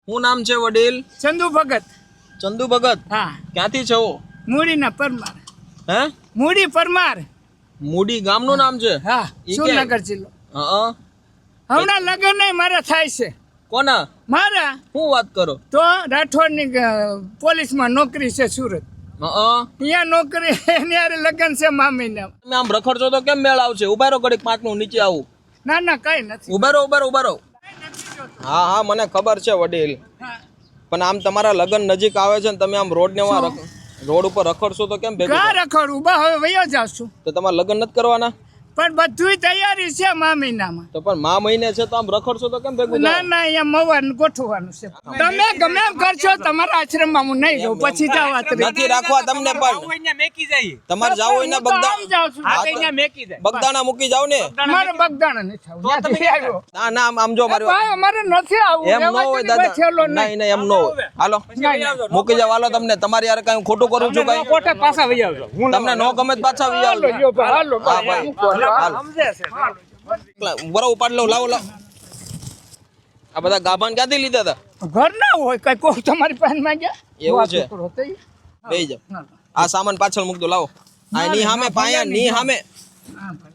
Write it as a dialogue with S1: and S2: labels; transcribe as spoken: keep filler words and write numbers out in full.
S1: શું નામ છે વડીલ?
S2: ચંદુ ભગત.
S1: ચંદુ ભગત?
S2: હા.
S1: ક્યાંથી છો?
S2: મૂડીના પરમાર.
S1: હે?
S2: મૂડી પરમાર.
S1: મૂડી ગામનું નામ છે?
S2: હા,
S1: ઈ
S2: સુરનગર
S1: ક્યાં?
S2: જિલ્લો.
S1: હા.
S2: હમણાં લગ્ન નહીં મારા થાય છે.
S1: કોના?
S2: મારા
S1: શું વાત કરો?
S2: તો રાઠોડની પોલીસમાં નોકરી છે સુરત.
S1: હા.
S2: ત્યાં નોકરી એની હારે લગ્ન છે મામીના.
S1: તમે આમ રખડશો તો કેમ મેળ આવશે? ઉભા રહો ઘડીક, પાંચ મિનિટ નીચે આવું.
S2: ના ના કઈ નથી.
S1: ઉભા રહો, ઉભા રહો, ઉભા રહો. હા હા મને ખબર છે વડીલ,
S2: હા.
S1: પણ આમ તમારા લગ્ન નજીક આવે છે ને તમે આમ રોડ ને રોડ ઉપર રખડશો તો કેમ ભેગું
S2: કા
S1: થાય?
S2: રખડું બા હવે વયો જાશું.
S1: તો તમારે લગ્ન નથી કરવાના?
S2: પણ બધુંય તૈયારી છે મામીનામાં.
S1: તો પણ મા મહિને છે તો આમ રખડશો તો કેમ ભેગું
S2: ના
S1: થાય?
S2: ના અહીંયા મવાનું ગોઠવવાનું છે. તમે ગમે એમ કરશો તમારા આશ્રમમાં હું નહીં રહું પછી જવા
S1: નથી રાખવા તમને, પણ તમારે જાવ હોય ને બગદા બગદાણા મૂકી જાવ ને.
S2: મારે બગદાણા નથી આવું. ત્યાંથી આવ્યો.
S1: ના ના આમ- આમ જો મારી વાત.
S2: ભાઈ અમારે નથી આવું.
S1: એમ ન હોય દાદા, નહીં નહીં એમ ન હોય. હાલો મૂકી જાવ, હાલો. તમને તમારી યાર કઈ ખોટું કરું છું કઈ?
S2: કોઠે પાછા વહી આવજો.
S1: તમને નો ગમે તો પાછા વી આવજો.
S2: હાલો, હાલો,
S1: હા ભાઈ, હાલો. બરો ઉપાડ લઉં, લાવો લાવો. આ બધા ગાભાન ક્યાંથી લીધા હતા?
S2: ઘર ના હોય કઈ કોઈ તમારી પાસે માંગ્યા
S1: એવું છે?
S2: છોકરો તો ઈ.
S1: બેહી જાવ. આ સામાન પાછળ મૂક દો, લાવો. આ ની સામે પાયા ની સામે.
S2: હા ભાઈ.